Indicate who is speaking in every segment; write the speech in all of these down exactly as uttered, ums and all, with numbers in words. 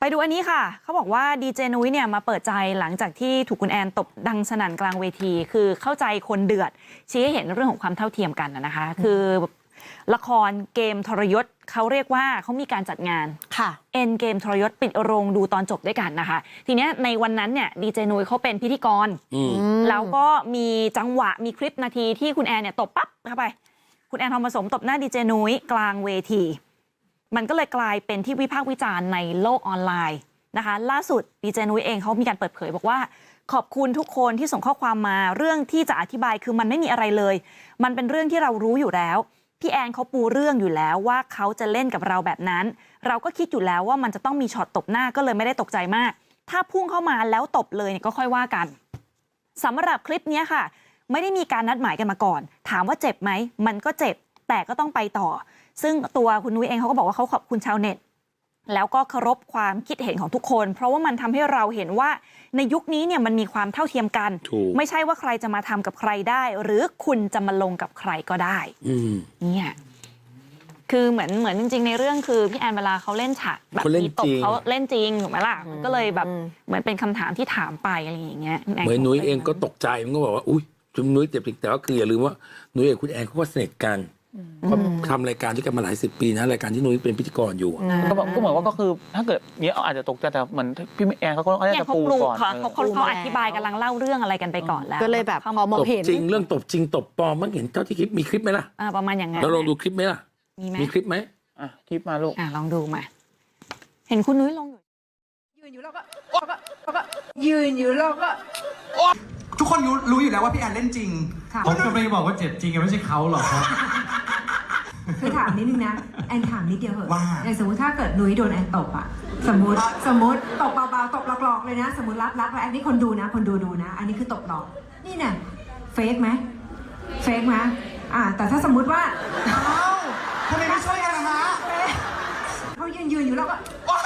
Speaker 1: ไปดูอันนี้ค่ะเขาบอกว่าดีเจนุ้ยเนี่ยมาเปิดใจหลังจากที่ถูกคุณแอนตบดังสนั่นกลางเวทีคือเข้าใจคนเดือดชี้ให้เห็นเรื่องของความเท่าเทียมกันนะคะคือละครเกมทรยศเขาเรียกว่าเขามีการจัดงานค่ะเอ็นเกมทรยศปิดโรงดูตอนจบด้วยกันนะคะทีเนี้ยในวันนั้นเนี่ยดีเจนุ้ยเขาเป็นพิธีกรแล้วก็มีจังหวะมีคลิปนาทีที่คุณแอนเนี่ยตบปั๊บเข้าไปคุณแอนทองผสมตบหน้าดีเจนุ้ยกลางเวทีมันก็เลยกลายเป็นที่วิพากษ์วิจารณ์ในโลกออนไลน์นะคะล่าสุดดีเจนุ้ยเองเขามีการเปิดเผยบอกว่าขอบคุณทุกคนที่ส่งข้อความมาเรื่องที่จะอธิบายคือมันไม่มีอะไรเลยมันเป็นเรื่องที่เรารู้อยู่แล้วพี่แอนเขาปูเรื่องอยู่แล้วว่าเขาจะเล่นกับเราแบบนั้นเราก็คิดอยู่แล้วว่ามันจะต้องมีช็อตตบหน้าก็เลยไม่ได้ตกใจมากถ้าพุ่งเข้ามาแล้วตบเลยเนี่ยก็ค่อยว่ากันสำหรับคลิปนี้ค่ะไม่ได้มีการนัดหมายกันมาก่อนถามว่าเจ็บไหมมันก็เจ็บแต่ก็ต้องไปต่อซึ่งตัวคุณนุ้ยเองเขาก็บอกว่าเขาขอบคุณชาวเน็ตแล้วก็เคารพความคิดเห็นของทุกคนเพราะว่ามันทำให้เราเห็นว่าในยุคนี้เนี่ยมันมีความเท่าเทียมกันไม่ใช่ว่าใครจะมาทำกับใครได้หรือคุณจะมาลงกับใครก็ได้เนี่ยคือเหมือนเหมือนจริงๆในเรื่องคือพี่แอนเวลาเขาเล่นฉากแบบมีตบเขาเล่นจริงถูกไหมล่ะก็เลยแบบเหมือนเป็นคำถามที่ถามไปอะไรอย่างเงี้ยเหมือน
Speaker 2: นุ้ยเองก็ตกใจมันก็บอกว่าอุ้ยคุณนุ้ยเจ็บจริงแต่ว่าคืออย่าลืมว่านุ้ยกับคุณแอนเขาก็สนิทกันเขาทำรายการด้วยกันมาหลายสิบปีนะรายการที่นุ้ยเป็นพิธีกรอยู่
Speaker 3: ก็ก็เหมือนว่าก็คือถ้าเกิดเนี้ยอาจจะตกใจแต่เหมือนพี่แอนเขาก็น่าจะปูก่อน
Speaker 1: เขาเขาเขาอธิบายกำลังเล่าเรื่องอะไรกันไปก่อนแล้ว
Speaker 4: ก็เลยแบบพอมองเห็น
Speaker 2: จริงเรื่องตบจริงตบปลอมมันเห็นเท่าที่คลิปมีคลิปไหมล่ะ
Speaker 1: ประมาณอย่างนั้น
Speaker 2: เราลองดูคลิปไหมล่ะ
Speaker 1: มีไหม
Speaker 2: มีคลิปไหม
Speaker 3: อ่ะคลิปมาลูก
Speaker 1: อ่ะลองดูมาเห็นคุณนุ้ยลงอยู่
Speaker 5: ยืนอยู่แล้วก็ก็ยืนอยู่แล้วก็ทุกคนรู้รู้อยู่แล้วว่าพี่แอนเล่นจริง
Speaker 6: ผมก็ไม่บอกว่าเจ็บจริงไม่ใช่เขาหรอกครับ
Speaker 7: คือถามนิดนึงนะแอนถามนิดเดียวเหอะ
Speaker 5: ว่า
Speaker 7: อย่างสมมติถ้าเกิดนุ้ยโดนแอนตบอะสมมติสมมติตบเบาๆตบหลอกๆเลยนะสมมติรัดรัดไว้อันนี้คนดูนะคนดูดูนะอันนี้คือตบหลอกนี่เนี่ยเฟกไหมเฟกไหมอ่าแต่ถ้าสมมติว่า
Speaker 5: อ้าวทำไมไม่ช่วยกันนะฮะ
Speaker 7: เขายืนยืนอยู่แล้วก็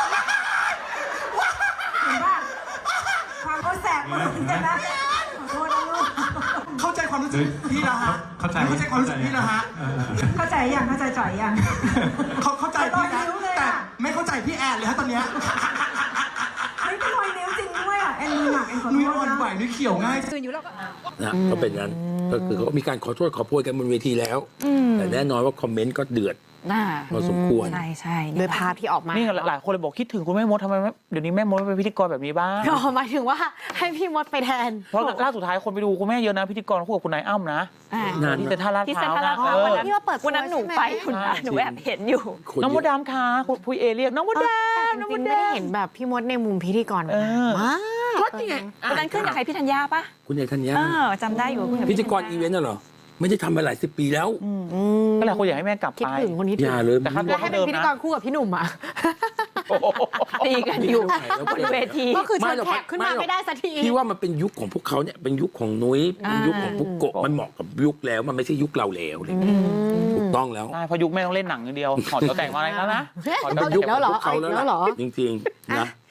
Speaker 7: เห็นป่ะความเขาแสบมันใช่ไหมขอโทษนะลูก
Speaker 5: เข้าใจความรู้สึกพี่นะฮะ
Speaker 6: เข้าใจ
Speaker 5: เข้าใจความรู้สึกพี่นะฮะ
Speaker 7: เข้าใจยังเข้าใจจ่อยยัง
Speaker 5: เขาเข้าใจพี่นะแต่ไม่เข้าใจพี่แอนเลยฮะตอนเนี้ย
Speaker 7: ไม่เป็นรอยนิ้วจริงด้วยอ่ะแอนมีหนักแอนขอโทษนะ
Speaker 5: นุ้ยอ่อนไหวนุ้ยเขียวง่าย
Speaker 7: ยืนอยู่แล้วก็
Speaker 2: นะก็เป็นงั้นก็คือเขามีการขอโทษขอโพยกันบนเวทีแล้วแต่แน่นอนว่าคอมเมนต์ก็เดือดพอสมควร
Speaker 1: ใช่ใช่
Speaker 4: โดยภาพที่ออกมา
Speaker 3: นี่หลายคนเลยบอกคิดถึงคุณแม่มดทำไมเดี๋ยวนี้แม่มดเป็นพิธีกรแบบนี้บ้าง
Speaker 4: ก็หมายถึงว่าให้พี่มดไปแทน
Speaker 3: เพราะล่าสุดท้ายคนไปดูคุณแม่เยอะนะพิธีกรคู่กับคุณนายอ้ำนะที่เซ็นทรัลลาดพร้าวนะ
Speaker 1: วันนั้นที่ว่าเปิดวันนั้นหนูไปคุณหนูแอบเห็นอยู่
Speaker 3: น้องมดดำค่ะคุณพุยเอเรียกน้องมดดำ
Speaker 4: น้องมดดำไม่ได้เห็นแบบพี่มดในมุมพิธีกรมาก
Speaker 1: ก็นี่ไงวันนั้นขึ้นกับใครพี่ธัญญาปะ
Speaker 2: คุณยายธัญญา
Speaker 1: จำได้อยู่
Speaker 2: พิธีกรอีเวนต์น่ะเหรอไม่ได้ทำมาหลายสิบปีแล้ว
Speaker 3: ก็หลายคนอยากให้แม่กลับไป
Speaker 4: คิดถึงคนนี้
Speaker 2: อย่าเลย
Speaker 3: แต่ค่าตัว
Speaker 4: ให้เป็นพิธีกรคู่กับพี่หนุ่มอ่ะ
Speaker 1: ตีกันอยู่บนเวที
Speaker 4: ก็คือเชิญแขกขึ้นมาไม่ได้สักที
Speaker 2: พี่ว่ามันเป็นยุคของพวกเขาเนี่ยเป็นยุคของนุ้ยเป็นยุคของพวกโกะมันเหมาะกับยุคแล้วมันไม่ใช่ยุคเราแล้วเลยถูกต้องแล้ว
Speaker 3: ใช่เพราะยุคแม่ต้องเล่นหนังอย่างเดียวถอดตัวแต่งมาอะไรแล้วนะ
Speaker 2: เป็นยุคของพวกเขาแล้วจริงๆนะ